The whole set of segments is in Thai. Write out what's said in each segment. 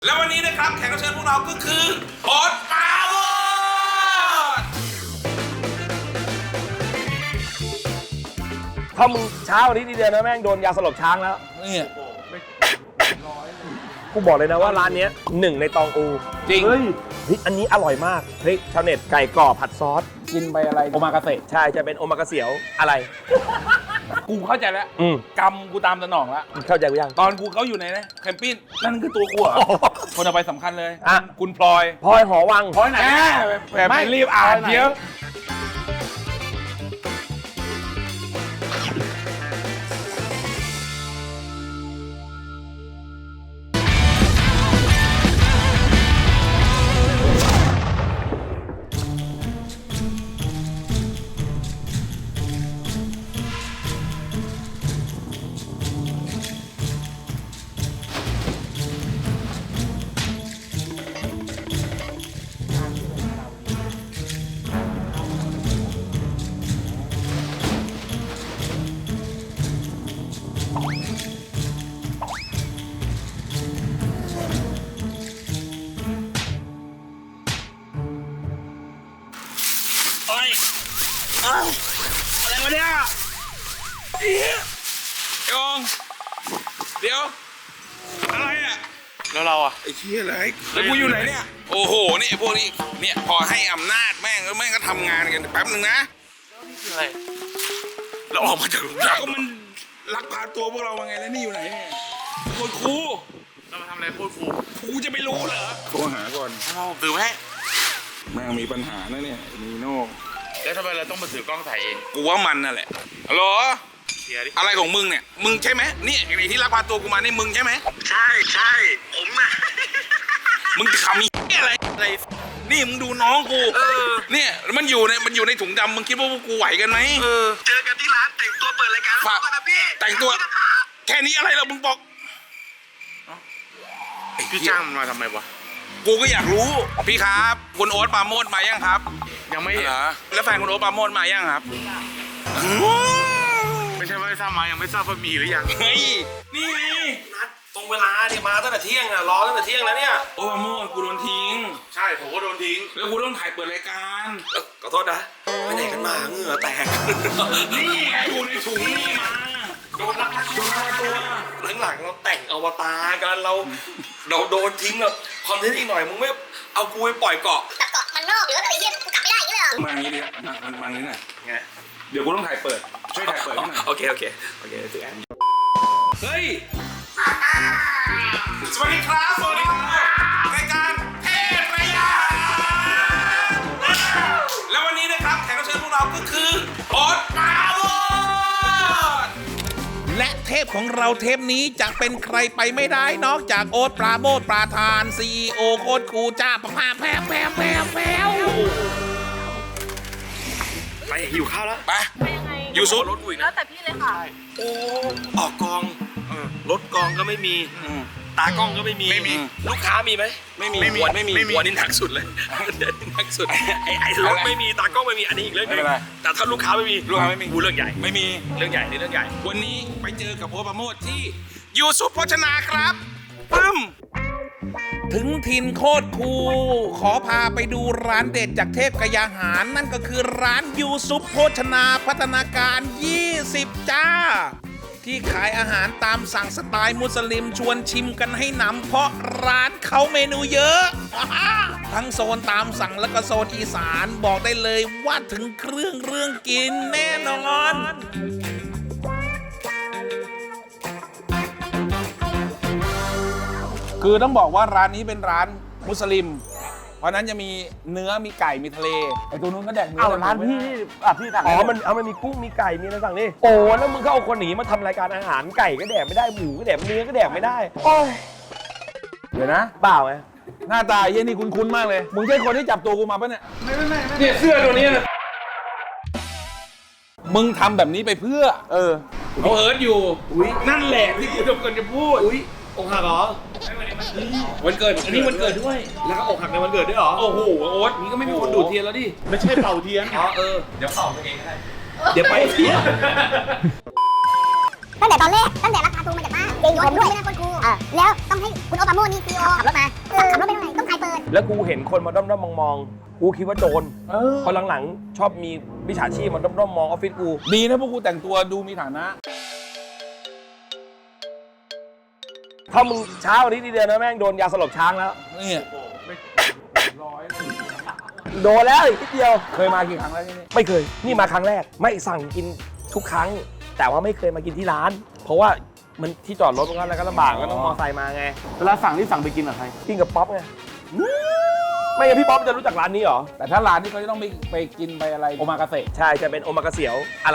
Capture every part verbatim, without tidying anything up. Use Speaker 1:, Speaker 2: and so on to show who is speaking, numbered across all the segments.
Speaker 1: แล้ววันนี้นะครับแขกรับเชิญพวกเราก็คือโอ๊ตปราโมช
Speaker 2: ถ้ามึงเช้าวันนี้ดีเดียวนะแม่งโดนยาสลบช้างแล้ว
Speaker 1: นี่
Speaker 2: กูบอกเลยนะว่าร้านนี้หนึ่งในตองอู
Speaker 1: จริง
Speaker 2: เฮ้ยอันนี้อร่อยมากเฮ้ยชาวเน็ตไก่กรอบผัดซอสกินไปอะไรโอมากาเสะใช่จะเป็นโอมากาเสียวอะไร
Speaker 1: กูเข้าใจแล้วกำกูตามสนองแล้ว
Speaker 2: เข้าใจกูยัง
Speaker 1: ตอนกูเขาอยู่ในนะแคมปิ้งนั่นคือตัวกูอ่ะคนเอาไปสำคัญเลย
Speaker 2: อ่ะ
Speaker 1: คุณพลอย
Speaker 2: พลอยหอวัง
Speaker 1: พลอยไหนแบบไม่รีบอ่านเดี๋ยวอะไรวะเนี่ยเดี๋ยวเดี๋ยวอะไรอ่ะแล้วเราอ่ะไอ้เชี่ยอะไรแล้วกูอยู่ไหนเนี่ยโอ้โหนี่พวกนี้เนี่ยพอให้อำนาจแม่งแล้วแม่งก็ทำงานกันแป๊บนึงนะนี่คืออะไรเราออกมาจากแล้วก็มันลักพาตัวพวกเรามาไงแล้วนี่อยู่ไหนเนี่ยโคตรครูเรามาทำอะไรโคตรครูกูจะไม่รู้เหรอโทรหาก่อนเอาถือไว้แม่งมีปัญหานะเนี่ยมีโน่แล้วทำไมเราต้องมาถือกล้องถ่ายเองกูว่ามันนั่นแหละฮัลโหลอะไรของมึงเนี่ยมึงใช่ไหมนี่ไอ้ที่ลักพาตัวกูมานี่มึงใช่ไหมใช่ใช่ผมอะมึงขำมีอะไรอะไรนี่มึงดูน้องกูเออเนี่ยมันอยู่ในมันอยู่ในถุงดำมึงคิดว่าพวกกูไหวกันไหมเออเจอกันที่ร้านแต่งตัวเปิดรายการฝากนะพี่แต่งตัวแค่นี้อะไรเรามึงบอกพี่จ้างมันมาทำไมวะกูก็อยากรู้พี่ครับคุณโอ๊ตปราโมชมายังครับยังไม่เหรอแล้วแฟนคุณโอ๊ตปราโมชมายังครับไม่ใช่ว่าไม่ทราบมายังไม่ทราบว่ามีหรือยังเฮ้ยนี่ไงนัดตรงเวลาเนี่ยมาตั้งแต่เที่ยงอ่ะรอตั้งแต่เที่ยงแล้วเนี่ยโอ๊ตปราโมชกูโดนทิ้งใช่ผมก็โดนทิ้งแล้วกูต้องถ่ายเปิดรายการขอโทษนะไปไหนกันมาเหงื่อแตกนี่ไงอยู่ในถุงนี่มาโดนลักพาตัวหลังๆเราแต่งอวตารกันเราเราโดนทิ้งแล้วคอนเทนต์อีกหน่อยมึงไม่เอากูไปปล่อยเกาะ
Speaker 3: แต่เกาะมันนอกหรือว่าอะไรเงี้ยกูกลับไม่ได้อย่างนี้เลยเหรอ
Speaker 1: มาอย่างนี้ดิมันมาอย่างนี้หน่อยไงเดี๋ยวกูต้องถ่ายเปิดช่วยถ่ายเปิดให้หน่อยโอเคโอเคโอเคถือแอนเฮ้ยสวัสดีครับสวัสดีครับรายการเทพระยาแล้ววันนี้นะครับแขกรับเชิญพวกเราก็คือโอ๊ตปราโมชและเทพของเราเทปนี้จะเป็นใครไปไม่ได้นอกจากโอ๊ตปราโมชประธาน ซี อี โอ โค้ชครูจ้าประภาแพ้แพ้แพ้แพ้ไปหิวข้าวแล้วไปยูซุปรถวิ่ง
Speaker 3: แล้วแต่พี่เลยค่ะ
Speaker 1: โอ้ออกกองรถกองก็ไม่มีตากล้องก็ไม่มีไม่มีลูกค้ามีไหมไม่มีไม่มีไม่มีวันนี้หนักสุดเลยหนักสุดไอ้ไอ้รถไม่มีตากล้องไม่มีอันนี้อีกเรื่องนึงแต่ถ้าลูกค้าไม่มีลูกค้าไม่มีกูเรื่องใหญ่ไม่มีเรื่องใหญ่นี่เรื่องใหญ่วันนี้ไปเจอกับโอ๊ตปราโมชที่ยูซุปโภชนาครับปึ้มถึงถิ่นโคตรคูลขอพาไปดูร้านเด็ดจากเทพกยาหารนั่นก็คือร้านยูซุปโภชนาพัฒนาการยี่สิบจ้าที่ขายอาหารตามสั่งสไตล์มุสลิมชวนชิมกันให้หนำเพราะร้านเขาเมนูเยอะทั้งโซนตามสั่งและก็โซนอีสานบอกได้เลยว่าถึงเครื่องเรื่องกินแน่นอนคือต้องบอกว่าร้านนี้เป็นร้านมุสลิมเพราะนั้นจะมีเนื้อมีไก่มีทะเลไอ้ตัวนู้นก็แดกเนื้อ
Speaker 2: เอาร้านพี่อ่ะพี่สั่งอ๋อมันเอามันมีกุ้งมีไก่มีอะไรสั่งนี่โอ้แล้วมึงก็เอาคนหนีมาทำรายการอาหารไก่ก็แดกไม่ได้หมูก็แดกเนื้อก็แดกไม่ได้โอ้ยเดี๋ยวนะเปล่าไง
Speaker 1: หน้าตาเยี่ยนี่คุ้นๆมากเลยมึงใช่คนที่จับตัวกูมาปะเนี่ยไม่ไม่ไม่เนี่ยเสื้อตัวนี้นะมึงทำแบบนี้ไปเพื่อเออเขาเอิร์ธอยู่นั่นแหละที่กูจะกำลังจะพูดอกหักเหรอวันเกิดอันนี้วันเกิดด้วยแล้วก็อกหักในวันเกิดด้วยเหรอโอ้โหโอ๊ตนี่ก็ไม่มีคนดูดเทียนแล้วดิไม่ใช่เป่าเทียนอ๋อเออเดี๋ยวเป่าตัวเองก็ได้เดี๋ยวไปเทียน
Speaker 3: ตั้งแต่ตอนแรกตั้งแต่ราคาตัวมาจากบ้านเองผมด้วยไม่ได้คนกูแล้วต้องให้คุณโอบามานี่ซีโอขับรถมาขับรถไปตรงไหนต้องใครเปิด
Speaker 2: แล้วกูเห็นคนมาด้อมๆมองๆกูคิดว่าโจรพอหลังๆชอบมีมิจฉาชีพมาด้อมๆมองออฟฟิศกู
Speaker 1: ดีนะพวกกูแต่งตัวดูมีฐานะ
Speaker 2: ถ้ามึงเช้าวันนี้ดีเดียวนะแม่งโดนยาสลบช้างแล้ว
Speaker 1: นี่
Speaker 2: โดนแล้วอีกนิดเดียว
Speaker 1: เคยมากี่ครั้งแล้วที่นี่
Speaker 2: ไม่เคยนี่มาครั้งแรกไม่สั่งกินทุกครั้ง แต่ว่าไม่เคยมากินที่ร้าน เพราะว่ามันที่จอดรถมันก็อะไรก็ลำบากก็ต้องมอเตอร์ไซค์มาไง
Speaker 4: เวลาสั่งที่สั่งไปกินกับใคร
Speaker 2: กินกับป๊อปไงไม่งั้นพี่ป๊อปจะรู้จักร้านนี้เหรอ
Speaker 1: แต่ถ้าร้านนี้เขาจะต้องไปไปกินไปอะไรโอมากาเสะ
Speaker 2: ใช่จะเป็นโอมากาเสียวอะไร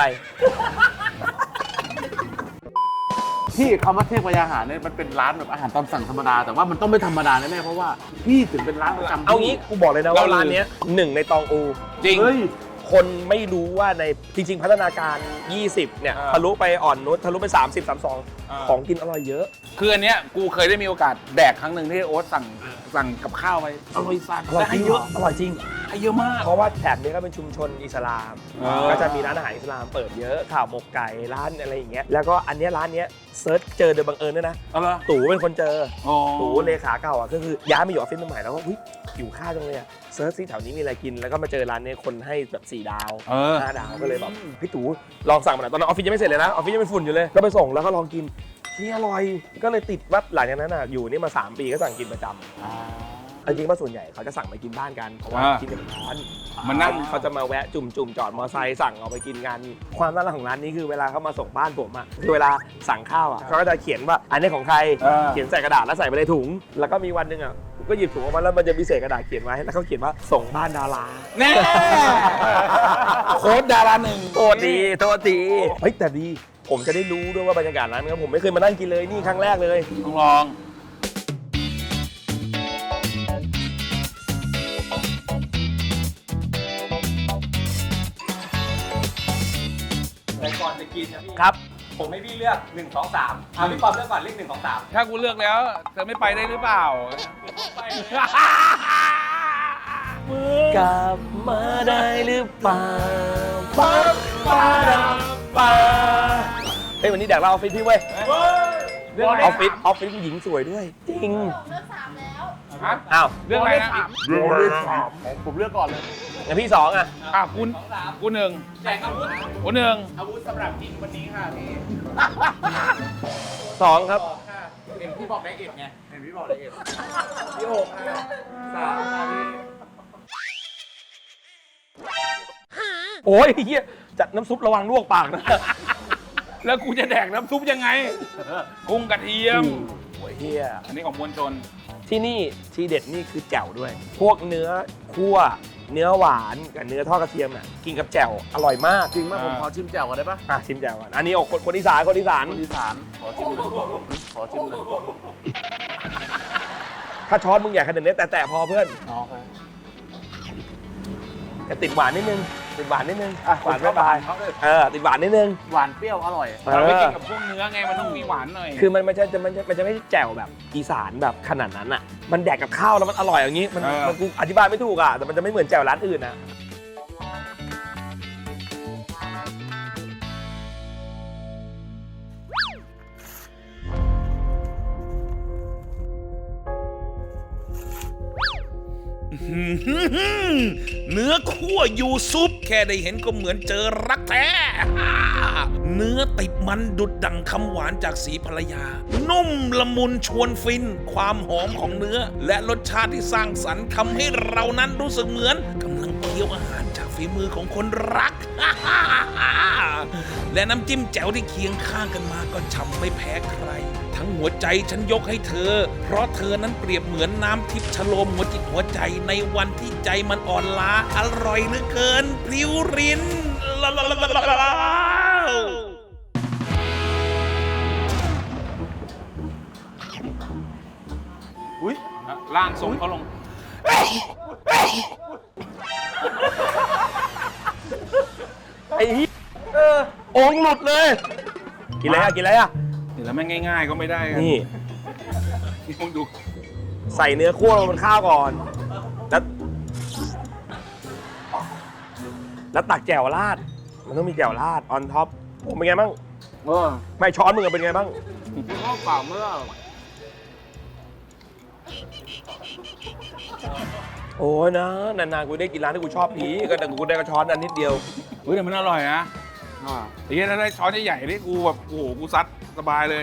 Speaker 4: ที่คำว่าเทพยาหารเนี่ยมันเป็นร้านแบบอาหารตามสั่งธรรมดาแต่ว่ามันต้องไม่ธรรมดาแน่ๆเพราะว่าพี่ถึงเป็นร้านประจำ
Speaker 2: เอางี้กูบอกเลยนะว่าร้านเนี้ยหนึ่งในตองอู
Speaker 1: จริง
Speaker 4: เฮ้ย
Speaker 2: คนไม่รู้ว่าในจริง ๆ พัฒนาการ ยี่สิบ เนี่ย
Speaker 1: อ่า
Speaker 2: ทะลุไปอ่อนนุชทะลุไป สามสิบ สามสิบสอง
Speaker 1: อ่า
Speaker 2: ของกินอร่อยเยอะ
Speaker 1: คืออันเนี้ยกูเคยได้มีโอกาสแดกครั้งหนึ่งที่โอ๊ตสั่งสั่งกับข้าวไปอร่อยสัส
Speaker 2: อร่อย
Speaker 1: และ
Speaker 2: จริ
Speaker 1: ให้
Speaker 2: ง
Speaker 1: เยอะ
Speaker 2: อร่อยจริง
Speaker 1: ให้เยอะมาก
Speaker 2: เพราะว่าแถบนี้ก็เป็นชุมชนอิสลาม
Speaker 1: อ่า
Speaker 2: ก็จะมีร้านอาหารอิสลามเปิดเยอะข่าวหมกไก่ร้านอะไรอย่างเงี้ยแล้วก็อันเนี้ยร้านเนี้ยเซิร์ชเจอโดยบังเอิญด้วยนะ
Speaker 1: เอาละ
Speaker 2: ตู่เป็นคนเจอ
Speaker 1: อ๋อ
Speaker 2: ตู่เลขาเก่าอ่ะก็คือย้ายมาอยู่ออฟฟิศใหม่แล้วก็เฮ้ยหิวข้าวจังเลยอ่ะเซิร์ชซิแถวนี้มีอะไรกินแล้วก็มาเจอร้านเนี้ยคนให้แบบสี่ดาว
Speaker 1: เออ
Speaker 2: ห้าดาวก็เลยแบบพี่ตู่ลองสั่งมาหน่อยตอนนั้นออฟฟิศยังไม่เสร็จเลยนะออฟฟิศยังเป็นฝุ่นอยู่เลยก็ไปส่งแล้วก็ลองกินที่อร่อยก็เลยติดว่าหลังจากนั้นอ่ะอยู่นี่มาสามปีก็สั่งกินประจำเอาจริงว่าส่วนใหญ่เขาจะสั่งไปกินบ้านกันเพราะว่า
Speaker 1: อ่า
Speaker 2: กินเป็นร้าน
Speaker 1: มันนั่ง
Speaker 2: เขาจะมาแวะจุ่มจุ่มๆจอดมอเตอร์ไซค์สั่งเอาไปกินกันความน่ารักของร้านนี้คือเวลาเขามาส่งบ้านผมอ่ะคือเวลาสั่งข้าวอ่ะเขาก็จะเขียนว่าอันนี้ของใคร
Speaker 1: เออ
Speaker 2: เขียนใส่กระดาษแล้วใส่ไปในถุง แล้วก็มีวันหนึ่งอ่ะก็หยิบถุงออกมาแล้วมันจะมีเศษกระดาษเขียนไว้แล้วเขาเขียนว่าส่งบ้านดารา
Speaker 1: แน่โค้ดดาราหนึ่ง
Speaker 2: โทษดีโทษดีเฮ้ยแต่ดีผมจะได้รู้ด้วยว่าบรรยากาศร้านนี้ผมไม่เคยมานั่งกินเลยนี่ครั้งแรกเลย
Speaker 1: ต้องลอง
Speaker 5: แต่ก่อนจะกินนะพี่
Speaker 2: ครับ
Speaker 5: ผมให้พี่เลือกหนึ่ง สอง สามอ่ะพี่ปอมเลือกก่อนเลขหนึ่ง สอง สาม
Speaker 1: ถ้ากูเลือกแล้วเธอไม่ไปได้หรือเปล่า
Speaker 2: กลับมาได้หรือเปล่าป้าป้าป้าเฮ้ยวันนี้แดกเราออฟฟิศพี่เว้ยออฟฟิศออฟฟิศผู้หญิงสวยด้วย จริง
Speaker 1: ฮะ
Speaker 2: อ้าว
Speaker 1: เรื่องอะไรนะ
Speaker 4: ผมเลือกก่อนเลย
Speaker 2: งั้นพี่สองอ่ะ
Speaker 1: อ่ะกูกูหนึ่ง
Speaker 5: แจกอาวุธ
Speaker 1: กูหนึ่ง
Speaker 5: อาวุธสำหรับกินวันนี้ค่ะพี่
Speaker 2: สองครับ
Speaker 5: เห็นพี่บอกได้เอ็ดไงเห็นพี่บอกได้เอ็ดพี่หกค่ะสามค่ะพี่
Speaker 2: โอ้ยเฮียจัดน้ำซุประวังลวกปากนะ
Speaker 1: แล้วกูจะแดกน้ำซุปยังไง กุ้งกระเทียม
Speaker 2: โอ้ยเฮีย
Speaker 1: อันนี้ของมวลชน
Speaker 2: ที่นี่ทีเด็ดนี่คือแจ่วด้วย พวกเนื้อคั่วเนื้อหวานกับเนื้อทอดกระเทียมน่ะกินกับแจ่วอร่อยมาก
Speaker 4: จริงมากผมขอชิมแจ่วก่อนได้ปะ
Speaker 2: อ่ะชิมแจ่วก่อนอันนี้ออกคนคนอีสานคนอีสาน
Speaker 4: คนอีสานขอชิมหน่อยขอชิมหน่อย
Speaker 2: ถ้าช้อนมึงใหญ่ขนาดนี้แต่แต่พอเพื่อน
Speaker 4: อ๋อครับ
Speaker 2: แต่ติดหวานนิดนึงติดหวานนิดนึงอ่ะหวานไม่บายเออติดหวานนิดนึง
Speaker 4: หวานเปรี้ยวอร่อย
Speaker 1: เราไป
Speaker 2: เอ
Speaker 1: กิ
Speaker 2: อน
Speaker 1: กับพวกเนื้อไงมันต้องมีหวานหน่อย
Speaker 2: คือมันไม่ใช่จะมันจะมันจะไม่ใช่แจ่วแบบอีสานแบบขนาดนั้นอ่ะมันแดกกับข้าวแล้วมันอร่อยอย่างนี้มัน
Speaker 1: เออ
Speaker 2: มันกูอธิบายไม่ถูกอ่ะแต่มันจะไม่เหมือนแจ่วร้านอื่นอ่ะ
Speaker 6: เนื้อคั่วยูซุปแค่ได้เห็นก็เหมือนเจอรักแท้ เนื้อติดมันดุดดังคำหวานจากสีภรรยา นุ่มละมุนชวนฟิน ความหอมของเนื้อ และรสชาติที่สร้างสรรค์ทำให้เรานั้นรู้สึกเหมือนกำลังเคี้ยวอาหารจากฝีมือของคนรัก และน้ำจิ้มแจ่วที่เคียงข้างกันมาก็ฉ่ำไม่แพ้ใคร ทั้งหัวใจฉันยกให้เธอ เพราะเธอนั้นเปรียบเหมือนน้ำทิพย์ชโลมหัวจิตหัวใจในวันที่ใจมันอ่อนล้า อร่อยเหลือเกินพลิ้วรินลาลาลาลาลา
Speaker 4: อุ้ย
Speaker 1: ล่างส่งเขาลง
Speaker 2: ไอ้เหี้ยเออโอ่งหลุดเลยกินอะไรอ่ะกินอะไรอ่ะ
Speaker 1: เดี๋ยวแล้วแม่งง่ายๆก็ไม่ได้กัน
Speaker 2: นี่
Speaker 1: นี่มึงดู
Speaker 2: ใส่เนื้อคั่วลงบนข้าวก่อน แล้ว แล้วตักแจ่วราด มันต้องมีแจ่วราดออนท็อปผมเป็นไงบ้าง
Speaker 4: เออ
Speaker 2: ไม่ช้อนมึงอะเป็นไงบ้าง
Speaker 4: พี่ข้าวเปล่าเมื่อ
Speaker 2: โอ้ยนะนานๆกูได้กินร้านที่กูชอบพีก็แต่กูได้กระช้อนอันนิดเดียว
Speaker 1: เฮ้ยแต่มันอร่อยนะไอ้เหี้ยถ้าได้ช้อนใหญ่ๆนี่กูแบบโอ้โหกูซัดสบายเลย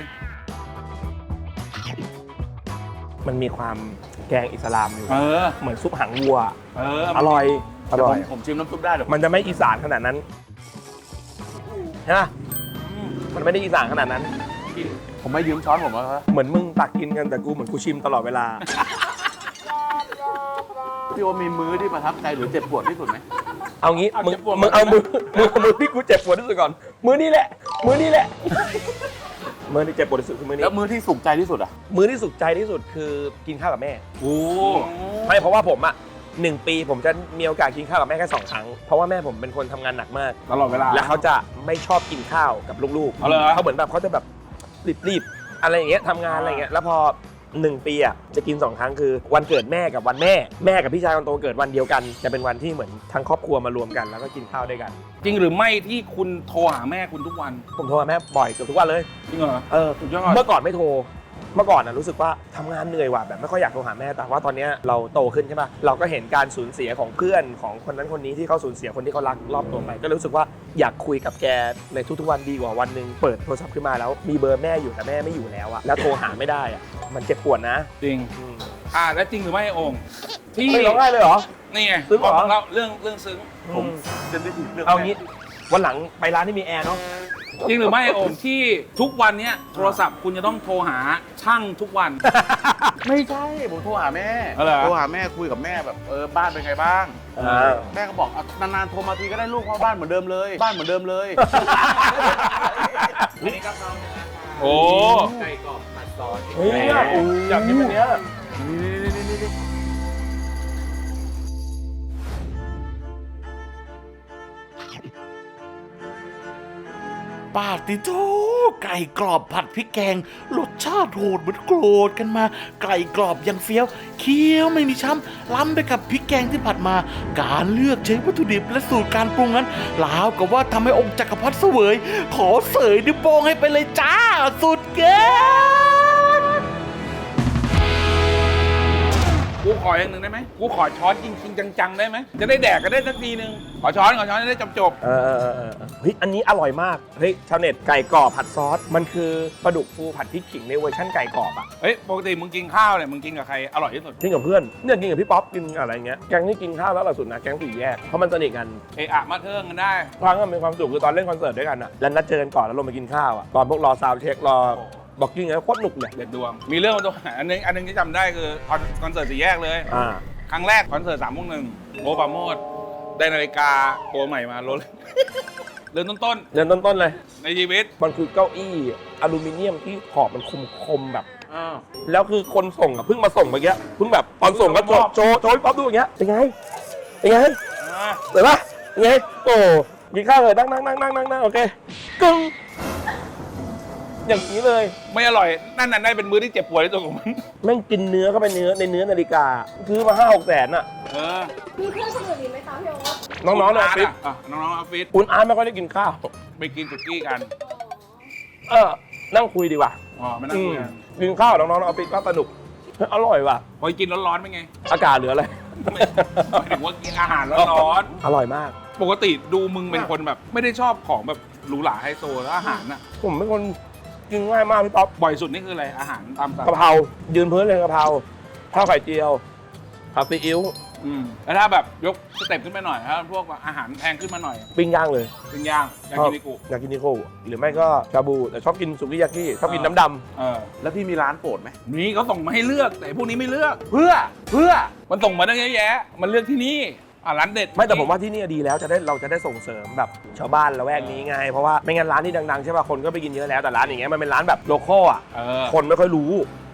Speaker 2: มันมีความแกงอิสลามอยู่
Speaker 1: เออ
Speaker 2: เหมือนซุปหางวัว
Speaker 1: เออ
Speaker 2: อร่อยอร่อย
Speaker 4: ผมชิมน้ำซุปได้เดี๋ยว
Speaker 2: มันจะไม่อีสานขนาดนั้นใช่ไหมมันไม่ได้อีสานขนาดนั้น
Speaker 4: ผมไม่ยืมช้อนผมแล้วครับ
Speaker 2: เหมือนมึงตักกินกันแต่กูเหมือนกูชิมตลอดเวลา
Speaker 4: พี่โอมีมื้อที่ประทับใจหรือเจ็บปวดที่สุดไหม
Speaker 2: เอางี้มึงมึงเอามือมึงเอามือที่กูเจ็บปวดที่สุดก่อน มือนี่แหละ มือนี่แหละ มือที่เจ็บปวดที่สุดคือมือนี้
Speaker 4: แล้วมื้อที่สุขใจที่สุดอ่ะ
Speaker 2: มือที่สุขใจที่สุดคือกินข้าวกับแม่
Speaker 1: โอ้
Speaker 2: ไม่เพราะว่าผมอ่ะหนึ่งปีผมจะมีโอกาสกินข้าวกับแม่แค่สองครั้ง เพราะว่าแม่ผมเป็นคนทำงานหนักมาก
Speaker 1: ตลอดเวลา
Speaker 2: แล้วเขาจะไม่ชอบกินข้าวกับลูกๆ
Speaker 1: เอาเลยเหรอ
Speaker 2: เขาเหมือนแบบเขาจะแบบรีบๆอะไรอย่างเงี้ยทำงานอะไรอย่างเงี้ยแล้วพอหนึ่งปีอ่ะจะกินสองครั้งคือวันเกิดแม่กับวันแม่แม่กับพี่ชายคนโตเกิดวันเดียวกันจะเป็นวันที่เหมือนทั้งครอบครัวมารวมกันแล้วก็กินข้าวด้วยกัน
Speaker 1: จริงหรือไม่ที่คุณโทรหาแม่คุณทุกวัน
Speaker 2: ผมโทรหาแม่บ่อยเกือบทุกวันเลย
Speaker 1: จริงเหรอ
Speaker 2: เออ
Speaker 1: สุดยอด
Speaker 2: เมื่อก่อนไม่โทร เมื่อก่อนนะรู้สึกว่าทำงานเหนื่อยว่ะแบบไม่ค่อยอยากโทรหาแม่แต่ว่าตอนนี้เราโตขึ้นใช่ป่ะเราก็เห็นการสูญเสียของเพื่อนของคนนั้นคนนี้ที่เขาสูญเสียคนที่เขารักรอบตัวไปก็รู้สึกว่าอยากคุยกับแกในทุกๆวันดีกว่าวันหนึ่งเปิดโทรศัพท์ขึ้นมาแล้วมีเบอร์แม่อยู่แต่แม่ไม่อยู่แล้วอะแล้วโทรหาไม่ได้อะมันเจ็บปวดนะ
Speaker 1: จริง
Speaker 2: อืม
Speaker 1: อ่าแล้วจริงหรือไม่โอ่งที่
Speaker 2: ไม่ร้องไห้เลยเหรอ
Speaker 1: นี่ไง
Speaker 2: ซึ้งเหรอ
Speaker 1: พเราเรื่องเรื่องซึ้ง
Speaker 2: ผม
Speaker 4: เซนซิทีฟเรื่อง
Speaker 2: เอางี้วันหลังไปร้านที่มีแอร์เนาะ
Speaker 1: จริงหรือไม่โอ่งที่ทุกวันเนี้ยโทรศัพท์คุณจะต้องโทรหาช่างทุกวัน
Speaker 4: ไม่ใช่ผมโทรหาแม่
Speaker 1: เอาเหรอ
Speaker 4: โทรหาแม่คุยกับแม่แบบเออบ้านเป็นไงบ้าง
Speaker 2: อ่า
Speaker 4: แม่ก็บอกอ่ะนานๆโทรมาทีก็ได้ลูกเพราะบ้านเหมือนเดิมเลย บ้านเหมือนเดิมเลย
Speaker 1: โอ้
Speaker 5: ไก่กรอบผัดซอส
Speaker 2: เฮ้ยอยากกินแบบเนี้ย
Speaker 7: ปาติโตไก่กรอบผัดพริกแกงรสชาติโหดเหมือนโกรธกันมา ไก่กรอบยังเฟี้ยวเคี้ยวไม่มีช้ำล้ำไปกับพริกแกงที่ผัดมา การเลือกใช้วัตถุดิบและสูตรการปรุงนั้นลาวกับว่าทำให้องค์จักรพรรดิเสวย ขอเสยนิ้วโป้งให้ไปเลยจ้า สุดเกิน
Speaker 1: กูขออย่างหนึ่งได้ไหมกูขอช้อนจริงๆจังๆได้ไหมจะได้แดกกันได้สักทีนึงขอช้อนขอช้อนจะได้จบ
Speaker 2: เออเออเออเออเฮ้ยอันนี้อร่อยมากเฮ้ยชาวเน็ตไก่กรอบผัดซอสมันคือปลาดุกฟูผัดพริกขิงในเวอร์ชั่นไก่กรอบอ่ะ
Speaker 1: ๆเฮ้ยปกติมึงกินข้าวเนี่ยมึงกินกับใครอร่อยที่สุด
Speaker 2: กินกับเพื่อนเนี่ยกินกับพี่ป๊อปกินอะไรเงี้ยแก๊งที่กินข้าวแล้วล่าสุดนะแก๊งสี่แยกเพราะมันสนิทกัน
Speaker 1: เอะอะมาเทิงกันได้
Speaker 2: ครั้งก็มีความสุขคือตอนเล่นคอนเสิร์ตด้วยกันอ่ะแล้วนัดเจอกันก่อนแล้วลงมากินข้าวอ่ะตอนพวกรอซาวด์เช็ครอบอกกิ้งแล้วโคตรหนุกเลย
Speaker 1: เด็ดดวง มีเรื่องมาตัวอันนึงอันนึงที่จำได้คือคอนคอนเสิร์ตสี่แยกเลย
Speaker 2: อ่า
Speaker 1: ครั้งแรกคอนเสิร์ตสามโมงหนึ่งโอปราโมดได้นาฬิกาตัวใหม่มาโรล เริ่มต้น
Speaker 2: เริ่มต้นๆเลย
Speaker 1: ๆในชีวิต
Speaker 2: มันคือเก้าอี้อลูมิเนียมที่ขอบมันคมๆแบบแล้วคือคนส่งอ่ะเพิ่งมาส่งเมื่อกี้เพิ่งแบบตอนส่งก็โชว์โชว์โชว์พี่ป๊อปดูอย่างเงี้ยเป็นไงเป็นไง
Speaker 1: อ่า
Speaker 2: เห็นปะเป็นไงโอ้กินข้าวเลยนั่งนั่งนั่งนั่งนั่งนั่งโอเคกึ้งอย่างนี้เลย
Speaker 1: ไม่อร่อย นั่นน่ะได้เป็นมื้อที่เจ็บปวดที่สุดของมัน
Speaker 2: แม่งกินเนื้อเข้าไปเนื้อในเนื้อนาฬิกาซื้อมาห้าหกแสนอ่ะ
Speaker 1: เออ
Speaker 8: มีเพื่อนคนอื่นอีกไหมคะพี่โอ๊ต
Speaker 2: น้องๆในออฟฟิศ
Speaker 1: อ่ะน้องๆออฟฟิศ
Speaker 2: คุณอาร์ตไม่ค่อยได้กินข้าว
Speaker 1: ไปกินสุกี้กัน
Speaker 2: เออ นั่งคุยดีกว่า
Speaker 1: อ๋อไม่นั่ง
Speaker 2: อื
Speaker 1: คุ
Speaker 2: ม
Speaker 1: ยกัน
Speaker 2: กินข้าวน้องๆในออฟฟิศก็สนุกเฮ้ยอร่อยว่ะ
Speaker 1: พอกินร้อนๆเป็นไง
Speaker 2: อากาศเหลืออะไร
Speaker 1: ไม่หมายถึงว่ากินอาหารร้อน
Speaker 2: อร่อยมาก
Speaker 1: ๆปกติดูมึงเป็นคนแบบ ไม่ได้ชอบของแบบหรูหราไฮโซแล้วอาหารน่ะ
Speaker 2: ผมเป็นคนกินง่ายมากพี่ป๊อป
Speaker 1: บ่อยสุดนี่คืออะไรอาหารตามสั่ง
Speaker 2: กะเพรายืนพื้นเลยกะเพราข้าวไข่เจียวผัดซีอิ๊ว
Speaker 1: อืมแล้วถ้าแบบยกสเต็ปขึ้นไปหน่อยถ้าพวกอาหารแพงขึ้นมาหน่อย
Speaker 2: ปิ้งย่างเลย
Speaker 1: ปิ้งย่างยากินิกุ
Speaker 2: อยากกินนิโก้หรือไม่ก็ชาบูแต่ชอบกินสุกี้ยากิชอบกินน้ำด
Speaker 1: เออ
Speaker 4: แล้วพี่มีร้านโปรดไหม
Speaker 1: นี่เขาส่งมาให้เลือกแต่พวกนี้ไม่เลือก
Speaker 4: เพื่อเพื่อ
Speaker 1: มันส่งมาตั้งเยอะแยะ มันเลือกที่นี่อ่ะร้านเด็ด
Speaker 2: ำไม่แต่ผมว่าที่นี่ดีแล้วจะได้เราจะได้ส่งเสริมแบบชาวบ้านละแวกนี้ไง เพราะว่าไม่งั้นร้านที่ดังๆใช่ป่ะคนก็ไปกินเยอะแล้วแต่ร้านอย่างเงี้ยมันเป็นร้านแบบโลคอลอ่ะ
Speaker 1: เออ
Speaker 2: คนไม่ค่อยรู้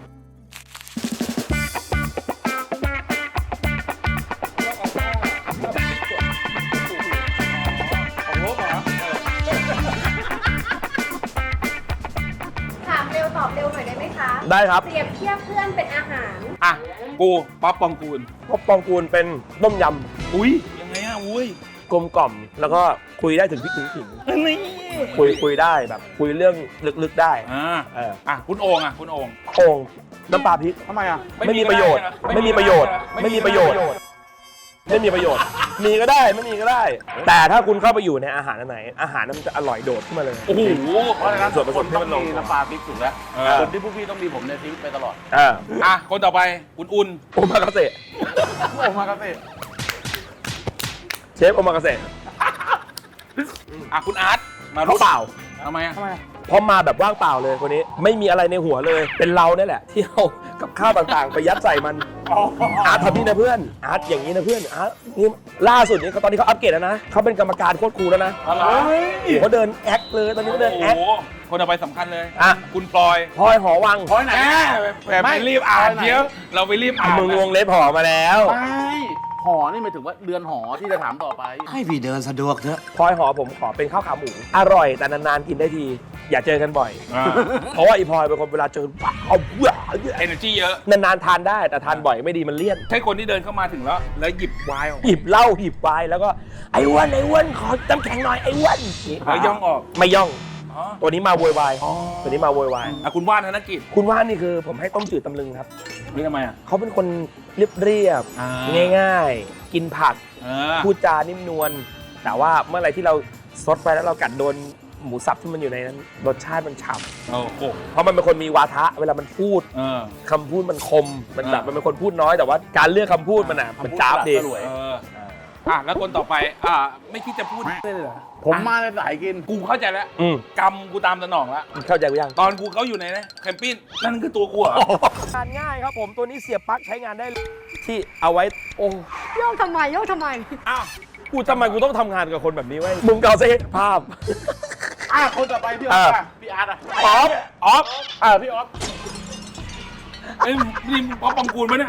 Speaker 8: ถามเร็วตอบเร็วหน่อยได้ไหมคะ
Speaker 2: ได้ครับ
Speaker 8: เปรียบเทียบเพื่อนเป็นอาหาร
Speaker 1: อ่ะกูป๊อปปองกูล
Speaker 2: พบปองกูลเป็นต้มย
Speaker 1: อุ้ยยังไงอ่ะอุ้ย
Speaker 2: ำกลมกล่อมแล้วก็คุยได้ถึงพริกถึงขิง
Speaker 1: นี่
Speaker 2: คุยคุยได้แบบคุยเรื่องลึกๆได้
Speaker 1: อ่า
Speaker 2: เออ
Speaker 1: อ่ะคุณโอ่งอ่ะคุณโอ่ง
Speaker 2: โอ่งน้ำปลาพริก
Speaker 4: ทำไมอ่ะ
Speaker 2: ไม่มีประโยชน์ ไม่มีประโยชน์ ไม่มีประโยชน์ ไม่มีประโยชน์ มีก็ได้ไม่มีก็ได้ แต่ถ้าคุณเข้าไปอยู่ในอาหารอันไหน อาหารนั้นมันจะอร่อยโดดขึ้นมาเลย
Speaker 1: โอ้โห
Speaker 4: เพราะฉะนั้น
Speaker 2: ส่วนผสมที่
Speaker 4: ต้อ
Speaker 2: มั
Speaker 4: ง
Speaker 2: นลง
Speaker 4: มีน้ำปลาพริกถูกแล้ว
Speaker 1: เออ
Speaker 4: ส่วนที่พวกพี่ต้องมีผมในชีวิตไปตลอด
Speaker 2: อ่า
Speaker 1: อ่ะคนต่อไปคุณอุ่น
Speaker 2: โอมากาเสะ
Speaker 4: โอ้มากาเฟ่
Speaker 2: เชฟโอมากาเสะ
Speaker 1: อ่ะคุณอาร์ตมา
Speaker 2: เขาเปล่า
Speaker 1: ทำไมอ่ะ
Speaker 2: เพราะมาแบบว่างเปล่าเลยคนนี้ไม่มีอะไรในหัวเลย เป็นเราเนี่ยแหละที่เอากับข้าวต่างๆ ไปยัดใส่มันอาร์ตทำนี่นะเพื่อนอาร์ตอย่างนี้นะเพื่อนอาร์ตนี่ล่าสุดนี้เขาตอนนี้เขาอัปเกรดแล้วนะเขาเป็นกรรมการโคตรครูแล้วนะ
Speaker 1: อะไร
Speaker 2: เขาเดินแอคเลยตอนนี้เขาเดิน
Speaker 1: โอ้
Speaker 2: แอค
Speaker 1: โหคนต่อไปสำคัญเลย
Speaker 2: อ่ะ
Speaker 1: คุณพลอย
Speaker 2: พลอยหอวัง
Speaker 4: พลอยไหน
Speaker 1: แหมแบบไปรีบอ่านเดี๋ยวเราไปรีบอ่าน
Speaker 2: มึงวงเล็บหอมาแล้ว
Speaker 4: ไม่หอนี่หมายถึงว่าเรือนหอที่จะถามต่อไป
Speaker 5: ให้พี่เดินสะดวกเถอะ
Speaker 2: พลอยหอผมขอเป็นข้าวขาหมูอร่อยแต่นานๆกินได้ที อย่าเจอกันบ่อย
Speaker 1: อ่า
Speaker 2: เพราะว่าอีพลอยเป็นคนเวลาเจอเอาเบื่อ
Speaker 1: เอเนอร์จีเยอะ
Speaker 2: นานๆทานได้แต่ทานบ่อยไม่ดีมันเลี่ยน
Speaker 1: ใช่คนที่เดินเข้ามาถึงแล้ว แล้วหยิบไวน์ออก
Speaker 2: หยิบเหล้าหยิบไวน์แล้วก็ไอ้อ้วนไอ้อ้วนขอน้ำแข็งหน่อยไอ้อ้วน
Speaker 1: แล้วย่องออก
Speaker 2: ไม่ย่อง
Speaker 1: อ๋อ
Speaker 2: ตัวนี้มาโวยวายตัวนี้มาโวยวาย
Speaker 1: อ่ะคุณว่านธนกิจ
Speaker 2: คุณว่านนี่คือผมให้ต้มจืดตำลึงครับ
Speaker 1: นี่ทำไมอ่ะ
Speaker 2: เขาเป็นคนเรียบเรียบ
Speaker 1: อ่า
Speaker 2: ง่ายๆ กินผัก
Speaker 1: อ่า
Speaker 2: พูดจานิ่มนวลแต่ว่าเมื่อไหรที่เราซดไปแล้วเรากัดโดนหมูสับที่มันอยู่ในนั้นรสชาติมันฉ่
Speaker 1: โอ้โห
Speaker 2: ำเพราะมันเป็นคนมีวาทะเวลามันพูด
Speaker 1: เออ
Speaker 2: คำพูดมันคมมันแบบ
Speaker 1: อ่ามั
Speaker 2: มันเป็นคนพูดน้อยแต่ว่าการเลือกคำพูดมันอ่ะมันจ้าบดี
Speaker 4: สลวย
Speaker 1: เอออ่ะแล้วคนต่อไปอ่ะไม่คิดจะพูดเลยเหรอ
Speaker 4: ผมมาในสายกิน
Speaker 1: กูเข้าใจแล้ว
Speaker 2: อืม
Speaker 1: กำกูตามสนองแล้ว
Speaker 2: เข้าใจกูยัง
Speaker 1: ตอนกูเขาอยู่ในนะแคมปิ้งนั่นคือตัวกูเหรอ
Speaker 2: งานง่ายครับผมตัวนี้เสียบปลั๊กใช้งานได้เลยที่เอาไว้โอ้
Speaker 8: โยกทำไมโยกทำไม
Speaker 1: อ้าว
Speaker 2: กูทำไมกูต้องทำงานกับคนแบบนี้ไว้ยมุมเก่าเซภาพ
Speaker 4: อ่ะคนต่อไปพี่ออฟอ่ะพี่อาร์ตอ่ะ
Speaker 2: ออฟออฟ
Speaker 4: อ่ะพี่ออฟ
Speaker 1: ไอ้ยนี่มึงป๊อปปองกูลมั้ยเนี่ย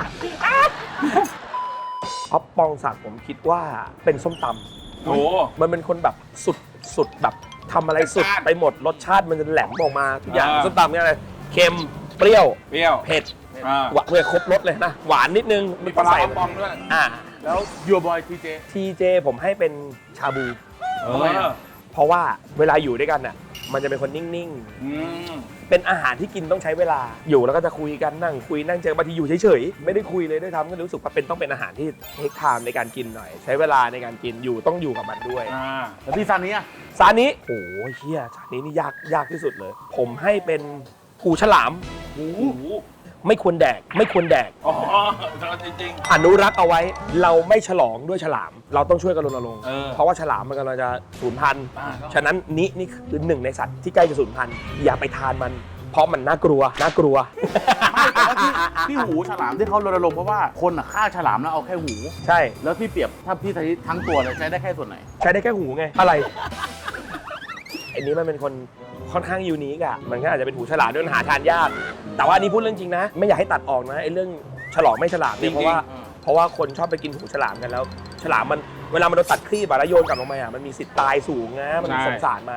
Speaker 2: ออฟปองศักดิ์ผมคิดว่าเป็นส้มตำ
Speaker 1: โอ้
Speaker 2: มันเป็นคนแบบสุดสุดแบบทำอะไรสุดไปหมดรสชาติมันจะแหลมออกมาทุกอย่างส้มตำเนี่ยอะไรเค็มเปรี้ยว
Speaker 1: เปรี้ยว
Speaker 2: เผ็ด
Speaker 1: อ่า
Speaker 2: หวานเลยครบรสเลยนะหวานนิดนึง
Speaker 1: มีปลาร้า
Speaker 2: ใส่
Speaker 1: ปองด้วย
Speaker 2: อ่า
Speaker 4: แล้วยูบอยทีเจ
Speaker 2: ทีเจผมให้เป็นชาบู
Speaker 1: เอ
Speaker 4: ทำไม
Speaker 1: อ
Speaker 4: อ่ะ
Speaker 2: เพราะว่าเวลาอยู่ด้วยกันน่ะมันจะเป็นคนนิ่ง
Speaker 1: อืม
Speaker 2: ๆ เป็นอาหารที่กินต้องใช้เวลาอยู่แล้วก็จะคุยกันนั่งคุยนั่งเจอบางทีอยู่เฉยๆไม่ได้คุยเลยด้วยทำก็รู้สึกว่าเป็นต้องเป็นอาหารที่เทคไทม์ในการกินหน่อย ใช้เวลาในการกินอยู่ต้องอยู่กับมันด้วย
Speaker 1: อ่า
Speaker 4: แล้วพี่ซันนี้อ่ะ
Speaker 2: ซานี้โอ้ยเฮียซานี้นี่ยากยากที่สุดเลย ผมให้เป็นหูฉลาม
Speaker 1: โอ้โห
Speaker 2: ไม่ควรแดก ไม่ควรแดก
Speaker 1: อ๋อจริง
Speaker 2: อนุรักษ์เอาไว้ เราไม่ฉลองด้วยฉลาม เราต้องช่วยกันรณรงค์
Speaker 1: เออ
Speaker 2: เพราะว่าฉลามมันกำลังจะสูญพันธุ์
Speaker 1: อ่า
Speaker 2: ฉะนั้นนี่นี่คือหนึ่งในสัตว์ที่ใกล้จะสูญพันธุ์อย่าไปทานมัน เพราะมันน่ากลัวน่ากลัว
Speaker 4: ไม่แต่ว่าที่ที่หูฉลามที่เขารณรงค์เพราะว่าคนอ่ะฆ่าฉลามแล้วเอาแค่หู
Speaker 2: ใช่
Speaker 4: แล้วพี่เปรียบถ้าพี่ใช้ทั้งตัวเนี่ยใช้ได้แค่ส่วนไหน
Speaker 2: ใช้ได้แค่หูไง อะไรไอ้นี้มันเป็นคนค่อนข้างยูนิคอะมันก็อาจจะเป็นหูฉลามด้วยมันหาทานยาก แต่ว่าอันนี้พูดเรื่องจริงนะ ไม่อยากให้ตัดออกนะไอ้เรื่องฉลองไม่ฉลามเนี่ยเพราะว่า เพราะว่าคนชอบไปกินหูฉลามกันแล้ว ฉลามมันเวลามันโดนตัดครีบอะแล้วโยนกลับลงมาอะมันมีสิทธิ์ตายสูงนะมันสงสารมัน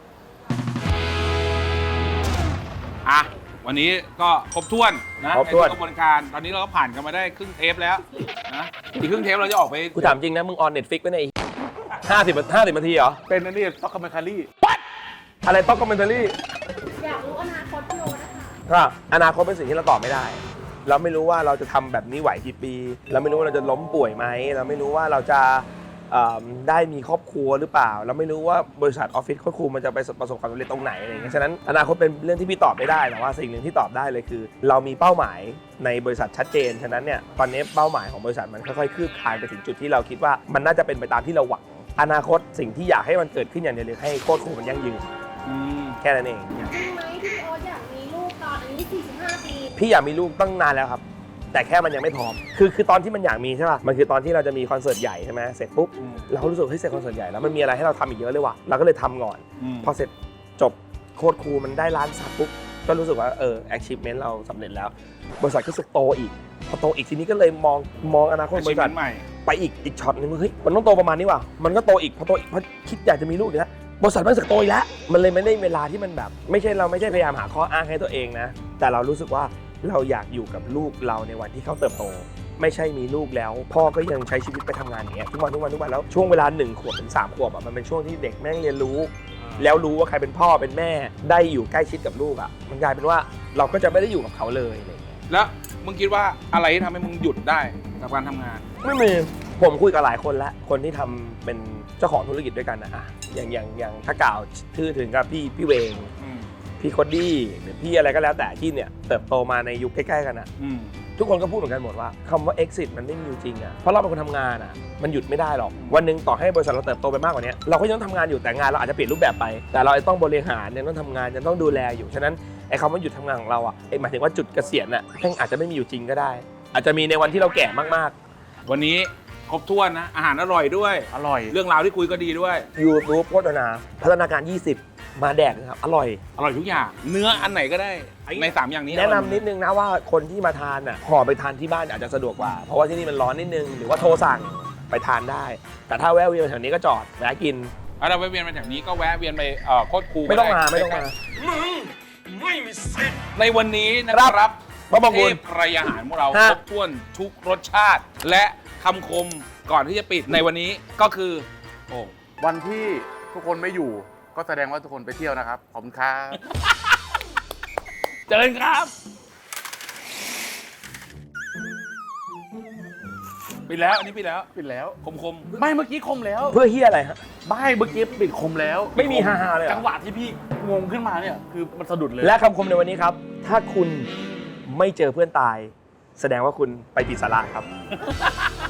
Speaker 1: อ่ะวันนี้ก็ครบถ้วนนะ
Speaker 2: ครบถ้วน
Speaker 1: ในกระบวนการตอนนี้เราก็ผ่านกันมาได้ครึ่งเทปแล้วนะอีกครึ่งเทปเราจะออกไป
Speaker 2: กูถามจริงนะ มึงออนเน็ตฟิกไว้ในห้าสิบห้าสิบนาทีเหรอ
Speaker 4: เป็นอันนี้ซ็อกคาเมคารี่
Speaker 2: อะไรต้องคอมเมนต์รี่
Speaker 8: อยากรู้อนาคตพี่โอนะคะ
Speaker 2: ก็อนาคตเป็นสิ่งที่เราตอบไม่ได้ เราไม่รู้ว่าเราจะทำแบบนี้ไหวกี่ปี เราไม่รู้ว่าเราจะล้มป่วยไหม เราไม่รู้ว่าเราจะเอิ่มได้มีครอบครัวหรือเปล่า เราไม่รู้ว่าบริษัทออฟฟิศโค้ชครูมันจะไปประสบความสำเร็จตรงไหนอะไรอย่างเงี้ยฉะนั้นอนาคตเป็นเรื่องที่พี่ตอบไม่ได้แต่ว่าสิ่งหนึ่งที่ตอบได้เลยคือ เรามีเป้าหมายในบริษัทชัดเจนฉะนั้นเนี่ยตอนนี้เป้าหมายของบริษัทมันค่อยๆคืบคลานไปถึงจุดที่เราคิดว่ามันน่าจะเป็นไปตามที่เราหวังอนาคตสิ่งที่อยากให้มันเกิดขึ้นอย่างเดียวเลยให้โค้ชครูมันยั่งยืน
Speaker 1: อืม
Speaker 2: แค่นั้นเอง
Speaker 8: จริงไหมที่พี่โออยากมีลูกตอนอายุสี่สิบห้าปี
Speaker 2: พี่อยากมีลูกตั้งนานแล้วครับ แต่แค่มันยังไม่พร้อม คือคือตอนที่มันอยากมีใช่ป่ะ มันคือตอนที่เราจะมีคอนเสิร์ตใหญ่ใช่ไหมเสร็จปุ๊บ เราก็รู้สึกเฮ้ยเสร็จคอนเสิร์ตใหญ่แล้วมันมีอะไรให้เราทำอีกเยอะเลยว่ะ เราก็เลยทำก่อน
Speaker 1: อืม
Speaker 2: พอเสร็จจบโค้ดครูมันได้ล้านซับปุ๊บ ก็รู้สึกว่าเออ achievement เราสำเร็จแล้ว บริษัทก็รู้สึกโตอีก พอโตอีกทีนี้ก็เลยมองมองอนาคตบริษัท
Speaker 1: ใหม่
Speaker 2: ไปอีกอีกช็อตนึงเฮ้ยมันต้องโตประมาณนี้ว่ะ มันก็โตอีกพอโตอีกพอคิดอยากจะมีลูกอีกแล้วบริษัทมันรู้สึกโตอีกแล้ว มันเลยไม่ได้เวลาที่มันแบบ ไม่ใช่เราไม่ใช่พยายามหาข้ออ้างให้ตัวเองนะ แต่เรารู้สึกว่าเราอยากอยู่กับลูกเราในวันที่เขาเติบโต ไม่ใช่มีลูกแล้ว พ่อก็ยังใช้ชีวิตไปทำงานอย่างเงี้ยทุกวันทุกวันทุกวันแล้วช่วงเวลาหนึ่งขวบถึงสามขวบอ่ะมันเป็นช่วงที่เด็กแม่งเรียนรู้แล้วรู้ว่าใครเป็นพ่อเป็นแม่ได้อยู่ใกล้ชิดกับลูกอ่ะมันกลายเป็นว่าเราก็จะไม่ได้อยู่กับเขาเลยอะไรอย่างเงี้ย
Speaker 1: แล้วมึงคิดว่าอะไรที่ทำให้มึงหยุดได้กับการทำงาน
Speaker 2: ไม่มีผมคุยกับหลายคนแล้วคนที่ทำเป็นเจ้าของธุรกิจด้วยกันนะอะอย่างอย่างอย่างถ้ากล่าวชื่อถึงกับพี่พี่เวง
Speaker 1: อืม
Speaker 2: พี่โคดดี้หรือพี่อะไรก็แล้วแต่ที่เนี่ยเติบโตมาในยุคใกล้ๆกันอ่ะ
Speaker 1: อืม
Speaker 2: ทุกคนก็พูดเหมือนกันหมดว่าคำว่า exit มันไม่มีอยู่จริงอ่ะเพราะเราเป็นคนทำงานอ่ะมันหยุดไม่ได้หรอกวันหนึ่งต่อให้บริษัทเราเติบโตไปมากกว่านี้เราก็ยังต้องทำงานอยู่แต่งานเราอาจจะเปลี่ยนรูปแบบไปแต่เราต้องบริหารยังต้องทำงานยังต้องดูแลอยู่ฉะนั้นไอ้คำว่าหยุดทำงานของเราอ่ะไอ้หมายถึงว่าจุดเกษียณอ่ะแม่งอาจจะไม่มีอยู่จริงก็ได้ อาจจะมีในวันที่เราแก่มาก
Speaker 1: วันนี้ครบถ้วนนะอาหารอร่อยด้วย
Speaker 4: อร่อย
Speaker 1: เรื่องราวที่คุยก็ดีด้วย
Speaker 2: ๆ YouTube โฆษณาพัฒนาการยี่สิบมาแดกนะครับอร่อย
Speaker 1: อร่อยทุกอย่าง เนื้ออันไหนก็ได้ในสามอย่างนี้
Speaker 2: แนะนำนิดนึงนะว่าคนที่มาทานอ่ะห่อไปทานที่บ้านอาจจะสะดวกกว่าเพราะว่าที่นี่มันร้อนนิดนึงหรือว่าโทรสั่งไปทานได้ แต่ถ้าแวะเวียนแถวนี้ก็จอดแวะกิน
Speaker 1: ถ้าเราไปเวียนมาแถวนี้ก็แวะเวียนไปเอ่อโคตรคู
Speaker 2: ไม่ต้องมาไม่ต้องมา
Speaker 1: ในวันนี้นะครับ
Speaker 2: พระบาง
Speaker 1: เท
Speaker 2: บุญ
Speaker 1: พไกรอาหารของเรา
Speaker 2: ฮะ
Speaker 1: ครบถ้วนทุกรสชาติ และคำคมก่อนที่จะปิดในวันนี้ก็คือโอ้
Speaker 4: วันที่ทุกคนไม่อยู่ก็แสดงว่าทุกคนไปเที่ยวนะครับขอบคุณครับ
Speaker 1: เจริญครับปิดแล้วอันนี้ปิดแล้ว
Speaker 4: ปิดแล้ว
Speaker 1: คมคม
Speaker 4: ไม่เมื่อกี้คมแล้ว
Speaker 2: เพื่อเฮียอะไรฮะ
Speaker 4: ไม่เมื่อกี้ปิดคมแล้ว
Speaker 2: ไม่มีฮาๆเลยเหรอ
Speaker 4: จังหวะที่พี่งงขึ้นมาเนี่ยคือมันสะดุดเลย
Speaker 2: และคำคมในวันนี้ครับ ถ้าคุณไม่เจอเพื่อนตาย แสดงว่าคุณไปติดสาระครับ